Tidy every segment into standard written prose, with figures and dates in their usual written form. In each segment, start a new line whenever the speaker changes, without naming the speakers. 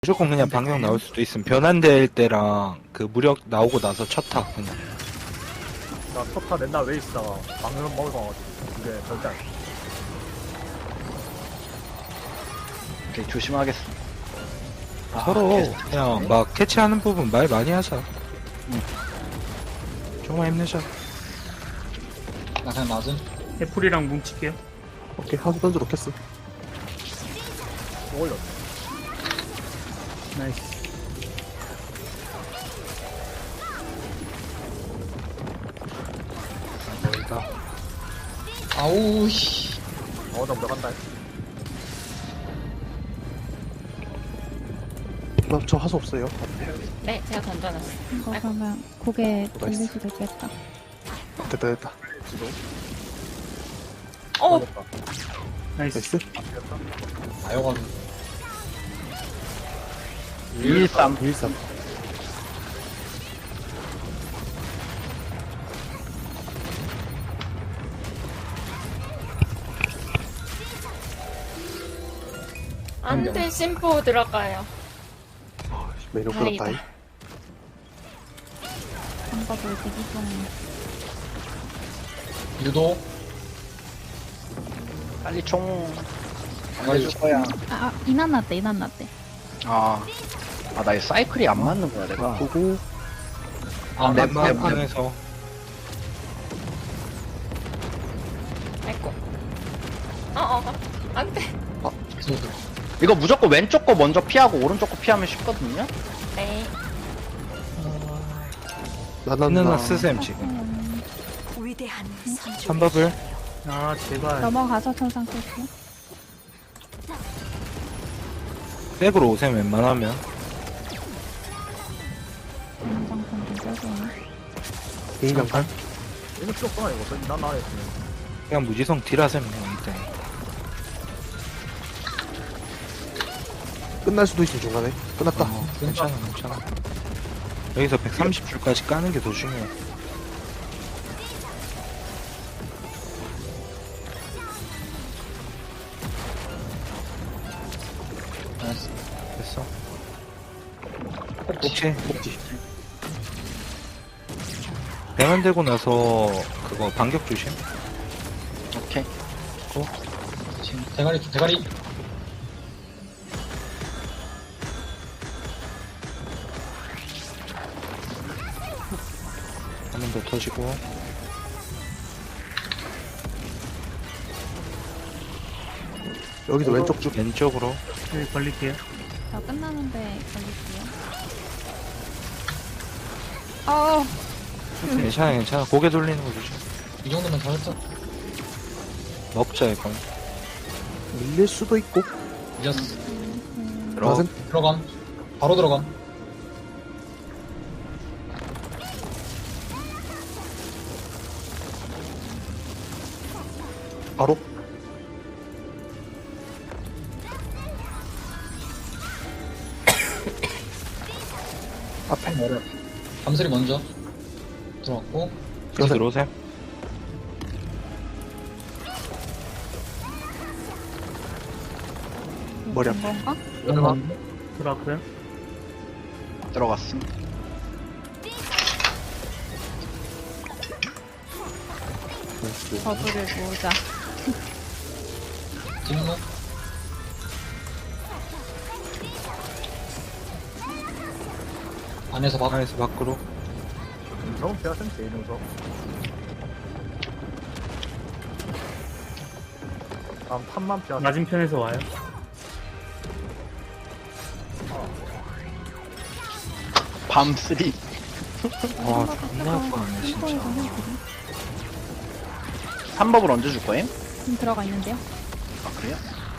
무조건 그냥 방역 나올 수도 있음. 변환될 때랑 그 무력 나오고 나서 첫타 그냥.
나 첫타 맨날 왜 있다가 방금 먹어가지고 그게 절대 안 돼.
오케이, 조심하겠습니다.
서로 그냥 막 캐치하는 부분 말 많이 하자. 정말 힘내자.
나 그냥 맞음.
애플이랑 뭉칠게요.
오케이, 하수 던져 놓겠어.
또 올렸어.
나이스.
멀다.
아우, 씨.
나 들어간다.
저 하수 없어요.
네, 제가 던져놨어요.
이거 그러면 고개 돌릴 수도 있겠다.
됐다, 됐다.
올렸다.
나이스.
나이스.
아여가지고.
213.
113.
안돼, 심포 들어가요.
메뉴
다행이다.
불렀다.
방법을 대기 중.
유도.
빨리 총.
빨리
해줄 거야.
이난 났대, 이난 났대.
아, 나 이 사이클이 안 맞는 거야, 내가.
보고,
아,
네,
내 방에서
아이고. 안돼.
이거 무조건 왼쪽 거 먼저 피하고 오른쪽 거 피하면 쉽거든요?
네.
있는 쓰셈 지금.
위대한 선조.
선밥을
아, 제발.
넘어가서 천상 쓸게요.
백으로 오셈 웬만하면.
인장판 좀 써줘.
개인장판.
이거 필요 없구나, 이거. 난 나야 했으면.
그냥 무지성 딜하셈 그냥 이때.
끝날 수도 있어, 중간에. 끝났다.
괜찮아 괜찮아. 여기서 130줄까지 까는 게 더 중요해. 됐어. 혹시 배만되고 나서 그거 반격 조심.
오케이.
지금 대가리.
한 번 더 터지고.
여기서 왼쪽 쭉.
왼쪽으로.
여기 걸릴게요.
저 끝나는데 걸릴게요.
괜찮아 괜찮아. 고개 돌리는 거 조심.
이 정도면 잘했어.
먹자 이건.
밀릴 수도 있고.
이겼어.
나는
들어감. 바로 들어감.
바로.
앞에 머리. 감슬이 먼저. 들어갔고.
여기 들어오셈.
머리 앞.
건가?
들어갔는데.
들어갔고요.
들어갔음.
나이스.
버블을 모으자.
진무. 안에서 막.
안에서 밖으로.
저건 피하셈, 제일 능서. 다음 탑만 피하셈.
맞은편에서 와요.
밤3.
와 존나 아파하네 진짜.
3법을 얹어줄 거임?
지금 들어가 있는데요.
아, 그래요?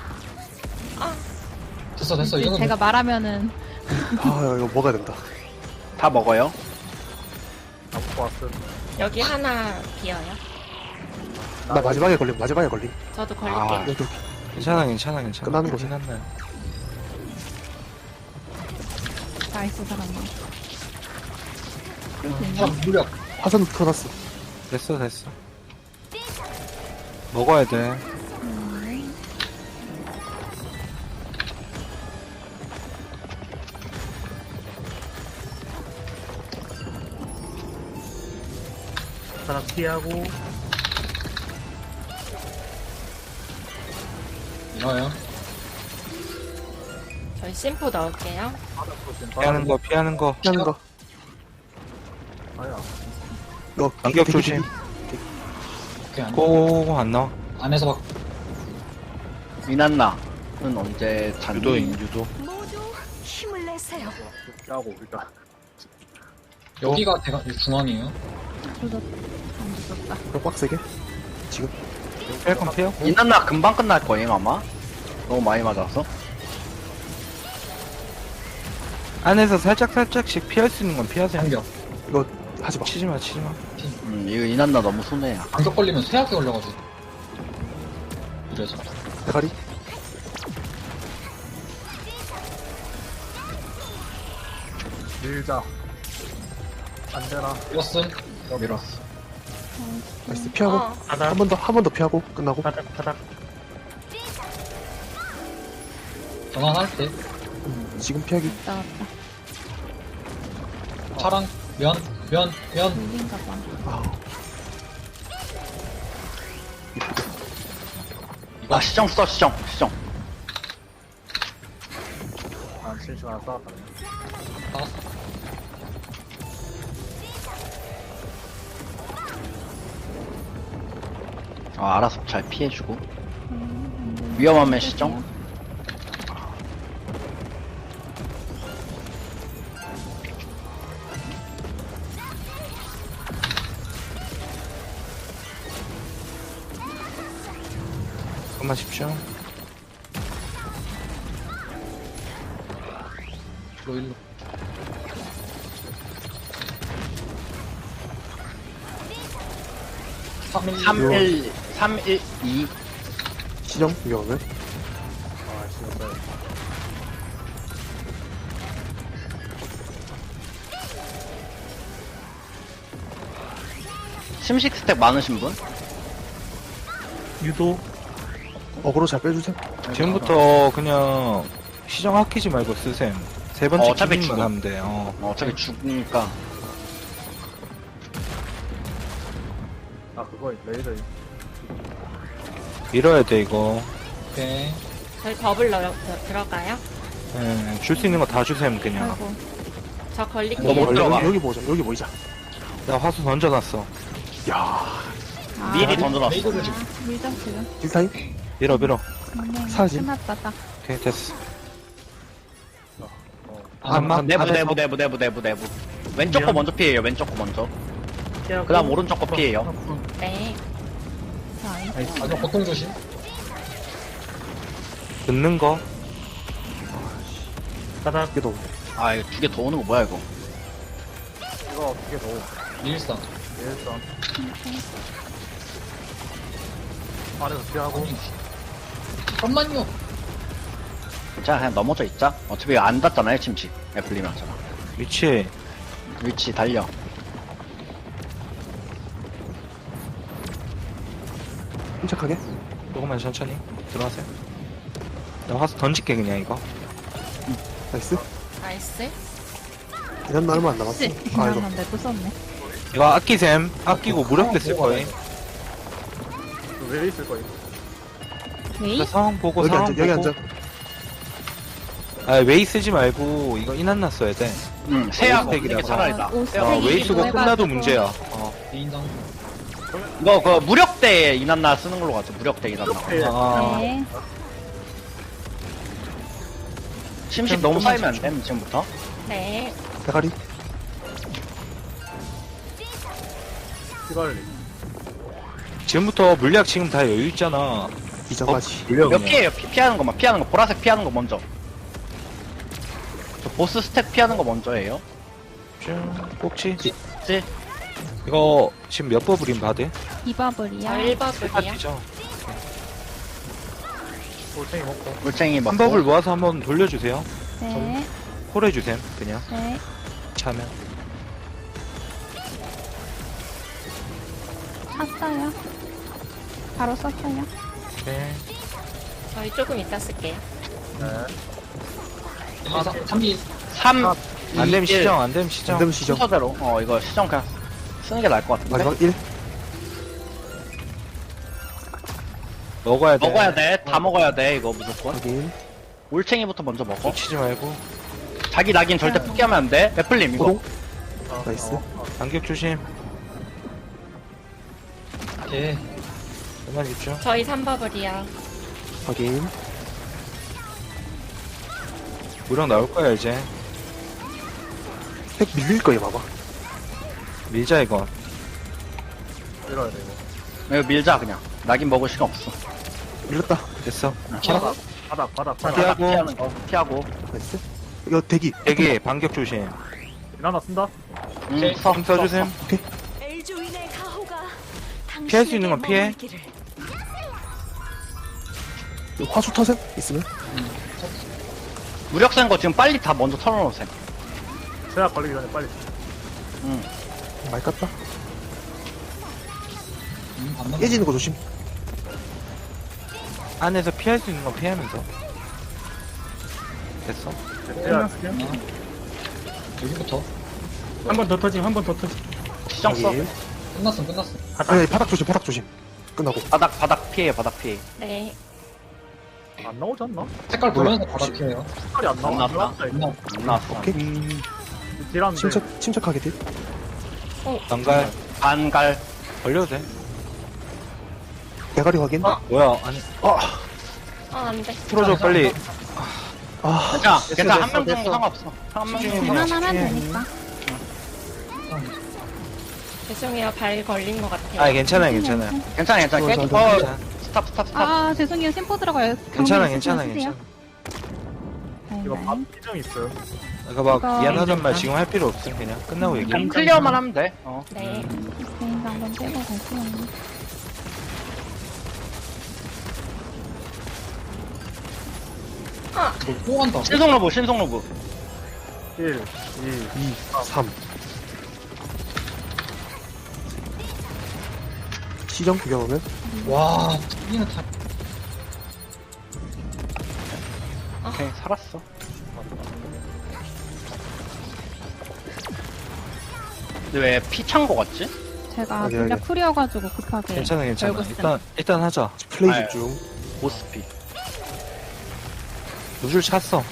됐어. 이거는.
제가 말하면은
아, 이거 먹어야 된다.
다 먹어요.
나 먹고 왔음.
여기 하나 비어요.
나 마지막에 걸림.
저도 걸릴게요.
아.
여기.
괜찮아 괜찮아.
끝나는 거지.
끝났나요?
나이스 사람만.
무력.
화산 터놨어.
됐어 먹어야 돼.
바닥 피하고.
이거요.
저희 심포 넣을게요.
피하는 거, 피하는 거.
피하는 거.
아야.
이거
간격
대기,
조심.
대기.
오케이,
고, 안 나와.
안에서 막,
이난나는 언제 잔디?
유도인, 유도.
모두 힘을 내세요.
하고 일단
여기가 중앙이에요.
조졌, 안 조졌다.
이거 빡세게. 지금.
피할 건 피하고.
이난나 금방 끝날 거예요 아마. 너무 많이 맞았어.
안에서 살짝씩 피할 수 있는 건 피하세요.
간격.
이거 하지 마.
치지 마, 치지 마.
이거 이난나 너무 손해야.
간격 걸리면 쇠약이 걸려가지고. 이래서.
대가리.
밀자. 안 되나?
밀었음.
밀었어.
나이스. 피하고.
어.
바닥,
한 번 더 피하고 끝나고.
바닥.
전환할 때.
지금 피하기.
왔다, 왔다.
파랑, 면.
밀린가 봐.
아우.
아 시정 써 시정.
난 실시간 싸웠다.
아,
알아서 잘 피해주고. 위험하면 시정.
잠깐만 십시오.
일로.
312.
시정 위험해.
아 지금
심식 스택 많으신 분?
유도.
어그로 잘 빼주세요.
지금부터 그냥 시정 아끼지 말고 쓰셈. 세 번째
어차피
기능만
죽어.
하면 돼.
어차피 죽으니까.
아 그거 레이더
밀어야 돼 이거.
오케이.
저희 더블 들어가요.
줄 수 있는 거 다 주셈 그냥.
아이고.
저 걸릴게요.
너무
여기,
들어가.
여기 보자. 여기 보이자.
나 화수 던져놨어.
야.
아,
미리 던져놨어.
레이더를 지금.
밀자, 지금.
딜타임.
밀어.
사진.
끝났다, 딱.
오케이 됐어.
안
내부. 왼쪽 거
미안.
먼저 피해요. 왼쪽 거 먼저.
피하고.
그다음 오른쪽 거 피해요.
네.
자,
마지막 고통 조심.
듣는 거.
바닥.
이게 더.
아 이거 2개 더 오는 거 뭐야 이거?
이거 어떻게 넣어?
일상.
일단 안에서 피하고
잠깐만요.
자 그냥 넘어져 있자. 어차피 안 닿잖아요 침식. 애플리면 하잖아.
위치.
위치 달려.
침착하게.
조금만 천천히 들어가세요. 나 화수 던질게 그냥 이거.
나이스.
나이스.
이런 날 얼마 안 남았어.
씨.
아 이거.
미안한데 또 썼네.
이거 아끼셈. 아끼고 무력대 쓸 거예요.
왜 있을 거야?
웨이?
상황 보고
여기
상황
앉아. 여기
보고.
앉아.
아 웨이 쓰지 말고 이거 인한나 써야 돼.
세하고
오스택이라서.
이게 차라리 나.
웨이 쓰고 끝나도 문제야.
개인당.
이거 그 무력대 이난나 쓰는 걸로 가자. 무력대 이난나.
네.
침식 너무 쌓이면 안 돼. 지금부터.
네.
대가리.
피관리
지금부터 물약 지금 다 여유 있잖아.
이전까지.
물려
몇
그냥.
피해요? 피하는 거만 피하는 거. 보라색 피하는 거 먼저. 저 보스 스택 피하는 거 먼저 해요.
쭉 꼭지.
찌.
이거 지금 몇 버블인 바드?
저
이바블이야.
1버블이요.
파티죠.
돌챙이 먹고
물쟁이
한
먹고.
버블 모아서 한번 돌려주세요.
네.
콜 해주셈 그냥
네.
차면.
샀어요. 바로 썼어요.
오케이.
저희 조금 이따 쓸게요.
네
1, 2, 3, 3, 2,
3.
안되면 시정 안되면 시정.
안되면 시정.
순서대로. 이거 시정 그냥 쓰는 게 나을 것 같은데.
마지막 1.
먹어야 돼.
먹어야 돼. 다 먹어야 돼, 이거 무조건.
확인.
올챙이부터 먼저 먹어.
놓치지 말고.
자기 낙인 절대 포기하면 안 돼. 애플님, 이거.
호동.
아,
나이스.
반격 조심.
오케이.
그만 집중.
저희 3버블이야.
확인.
무력 나올 거야, 이제.
핵 밀릴 거예요, 봐봐.
밀자, 이거.
밀어야 돼 이거.
이거 밀자, 그냥. 낙인 먹을 시간 없어.
밀렸다.
됐어.
바닥 바닥
바닥
피하고.
피하는 거. 피하고.
나이스. 이거 대기.
대기, 반격 조심.
하나 쓴다.
서,
힘 써주셈.
엘조인의 가호가
피할 수 있는 건 피해.
머물기를.
이거 화수 터셈 있으면.
무력 센 거 지금 빨리 다 먼저 털어놓으세요.
제약 걸리기 전에 빨리.
많이 깠다.
안 넘어.
깨지는 거 조심.
안에서 피할 수 있는 건 피하면서. 됐어.
제약
끝났어요.
여기부터.
한 번 더 터짐, 한 번 더 터짐.
시정 써.
확인.
끝났어, 끝났어.
아니, 바닥 조심, 바닥 조심. 끝나고.
바닥 피해, 바닥 피해.
네.
안 나오지 않나?
색깔 보면서 바닥 피해요.
색깔이 안 나와.
안
안
나왔다.
나왔다 이거.
안 나왔어.
오케이.
딜하는데.
침착하게 딜.
난갈.
반갈.
걸려도 돼.
대가리 확인.
뭐야, 아니.
안 돼.
풀어줘, 빨리.
아,
괜찮아. 한 명
됐어.
정도 상관없어. 한 명 정도.
그만하면 되니까.
죄송해요. 발 걸린 것 같아요.
아, 괜찮아요, 괜찮아요.
괜찮아.
저,
계속
저,
괜찮아.
스탑.
아, 죄송해요. 심포 들어가요.
괜찮아,
경비
괜찮아,
쓰세요.
괜찮아.
이거
네,
밥
네.
피정 있어요.
그러니까 막
이거
미안하단 말 지금 할 필요 없음. 그냥 끝나고 얘기해.
그냥 클리어만 하면 돼.
네.
개인도 한번 빼고 갈게요.
또 간다.
신속 로브.
1, 2,
2, 3. 시정 구경하면.
와, 튀기는 타.
오케이, 살았어. 근데 왜 피 찬 거 같지?
제가
여기,
진짜
여기.
쿨이어가지고 급하게.
괜찮아, 괜찮아.
결국
일단 하자.
플레이
아유.
집중.
보스피.
누줄 찼어.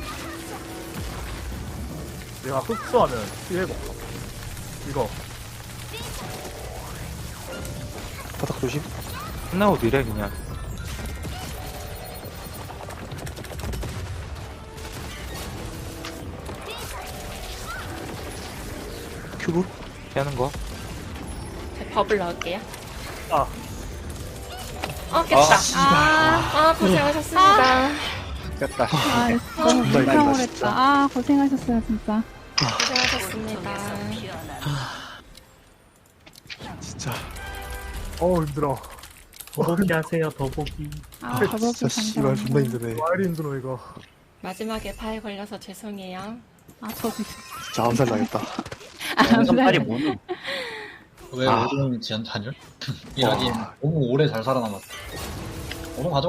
내가 흡수하면 피해가 없어. 이거.
바닥 조심.
끝나고 뒤래, 그냥.
큐브.
피하는 거.
제 버블 넣을게요.
아.
깼다.
아,
고생하셨습니다.
됐다.
아,
존나
진짜
힘들다,
오랬다.
진짜.
아, 고생하셨어요, 진짜.
고생하셨습니다.
진짜.
어우 힘들어.
더보기 하세요, 더보기.
아, 더블
진짜 씨발 존나 힘드네.
와이리 힘들어 이거.
마지막에 발 걸려서 죄송해요.
아, 저도.
진짜 암살 나겠다.
영상 빨리 뭐니?
왜 오동 지연 단열? 이 낙인 너무 오래 잘 살아남았어. 오동 가져.